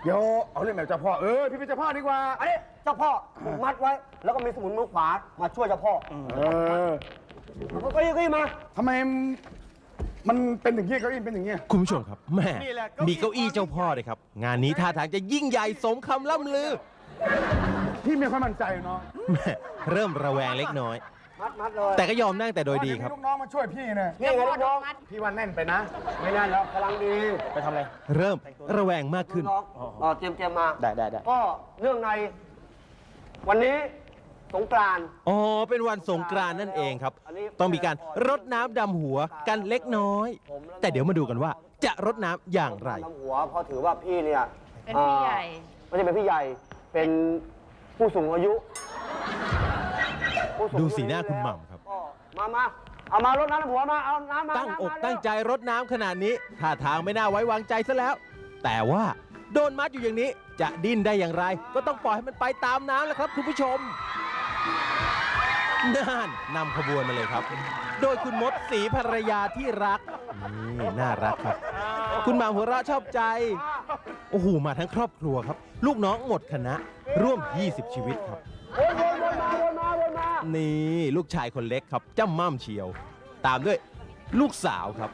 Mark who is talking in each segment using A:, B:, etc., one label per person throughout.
A: เดี๋ยวเอาเรื่องแบบเจ้าพ่อพี่เป็นเจ้าพ่อดีกว่า
B: อันนี้เจ้าพ่อมัดไว้ แล้วก็มีสมุนมือขวามาช่วยเจ้าพ่อก็ยี่มา
A: ทำไมมันเป็นอย่างนี้เก้าอี้เป็นอย่างนี้
C: คุณผู้ชมครับแม่มีเก้าอี้เจ้าพ่อเลยครับ งานนี้ท่าทางจะยิ่งใหญ่สมคำล่ำลือ
A: พี่ไม่ค่อยมั่นใจเนาะ
C: แม่เริ่มระแวงเล็กน้อย
B: มัดเลย
C: แต่ก็ยอมนั่งแต่โดยดีครับ
A: ลูกน้องมาช่วยพี่นะ
B: นี่ไงลูกน้อง
A: พี่ว่าแน่นไปนะ
B: ไม่นั่นแล้วกำลังดี
D: ไปทำอะไร
C: เริ่มระแวงมากขึ้น
B: น้องเตรียมมา
D: ได้
B: ก็เรื่องในวันนี้สงกรานต์
C: อ๋อ เป็นวันสงกรานต์นั่นเองครับ ต้องมีการรดน้ำดำหัวกันเล็กน้อย แต่เดี๋ยวมาดูกันว่าจะรดน้ำอย่างไร
B: น้ำหัวเพราะถือว่าพี่เนี่ย
E: เป็นพี่ใหญ่
B: ไม่ใช่เป็นพี่ใหญ่ เป็นผู้สูงอายุผู้สูงอายุ
C: ดูสีหน้าคุณหม่ำครับ
B: ก็มาเอามารดน้ำหัวมาเอาน้ำมา
C: ตั้งอก
B: น้ำมา
C: ตั้งใจรดน้ำขนาดนี้ท่าทางไม่น่าไว้วางใจซะแล้ว แต่ว่าโดนมัดอยู่อย่างนี้จะดิ้นได้อย่างไร ก็ต้องปล่อยให้มันไปตามน้ำแหละครับคุณผู้ชมน่านนำขบวนมาเลยครับ โดยคุณมดศรีภรรยาที่รักนี่น่ารักครับ คุณหม่ำหัวเราะชอบใจโอ้โหมาทั้งครอบครัวครับ ลูกน้องหมดคณะร่วม 20 ชีวิตครับ
B: วนมา
C: นี่ลูกชายคนเล็กครับจ้ำม่ำเชียว ตามด้วยลูกสาวครับ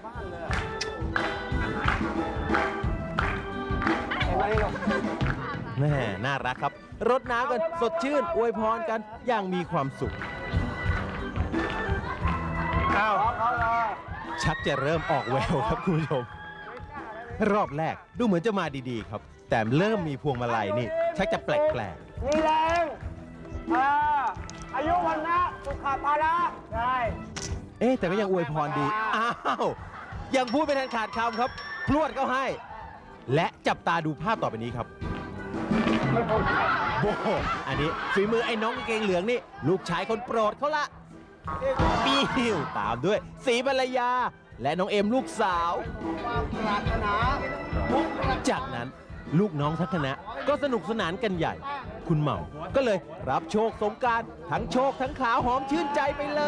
B: เห็นไหมลูก
C: แม่น่ารักครับ รดน้ำกันสดชื่น อวยพรกันอย่างมีความสุข ชักจะเริ่มออกแววครับคุณผู้ชม รอบแรกดูเหมือนจะมาดีๆครับ แต่เริ่มมีพวงมาลัยนี่ ชักจะแปลก
B: มีแรงอายุวันนะสุขภาระใช่
C: ๆเอ๊ะแต่ก็ยังอวยพรดี อ้าว ยังพูดไม่ทันขาดคำครับ พรวดเขาให้ และจับตาดูภาพต่อไปนี้ครับ โอ้โหอันนี้ฝีมือไอ้น้องกางเกงเหลืองนี่ ลูกชายคนโปรดเขาละปิ้วตามด้วยศรีภรรยา และน้องเอ็มลูกสาว จากนั้นลูกน้องทั้งคณะก็สนุกสนานกันใหญ่ คุณหม่ำก็เลยรับโชคสงกรานต์ทั้งโชคทั้งขาวหอมชื่นใจไปเลย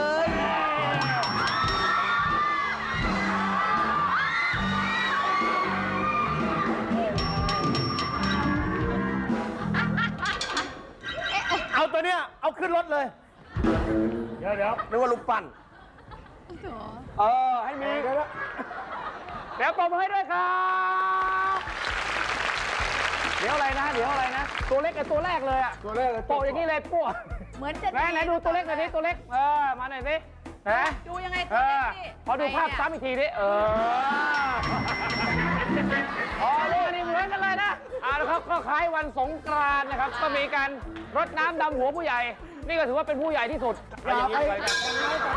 D: เอาตัวเนี้ยเอาขึ้นรถเลย เดี๋ยวนึกว่าลูกปั้น
B: ให้มี
D: เดี๋ยวปรบมือให้ด้วยครับ เดี๋ยวอะไรนะ ตัวเล็กกับตัวแรกเลยอะ
A: ตัวแรกเลย
D: โปะอย่างนี้เลยโปะ
E: เหมือนจะ
D: ไหนดูตัวเล็กหน่อยดิตัวเล็ก มาหน่อยสินะ
E: ดูยังไงตัวเล็กนี่
D: พอดูภาพซ้ำอีกทีดิลูกนี่เหมือนกันเลยนะแล้วครับก็คล้ายวันสงกรานต์นะครับ ก็มีการรดน้ำดำหัวผู้ใหญ่ นี่ก็ถือว่าเป็นผู้ใหญ่ที่สุด
A: อย่าไป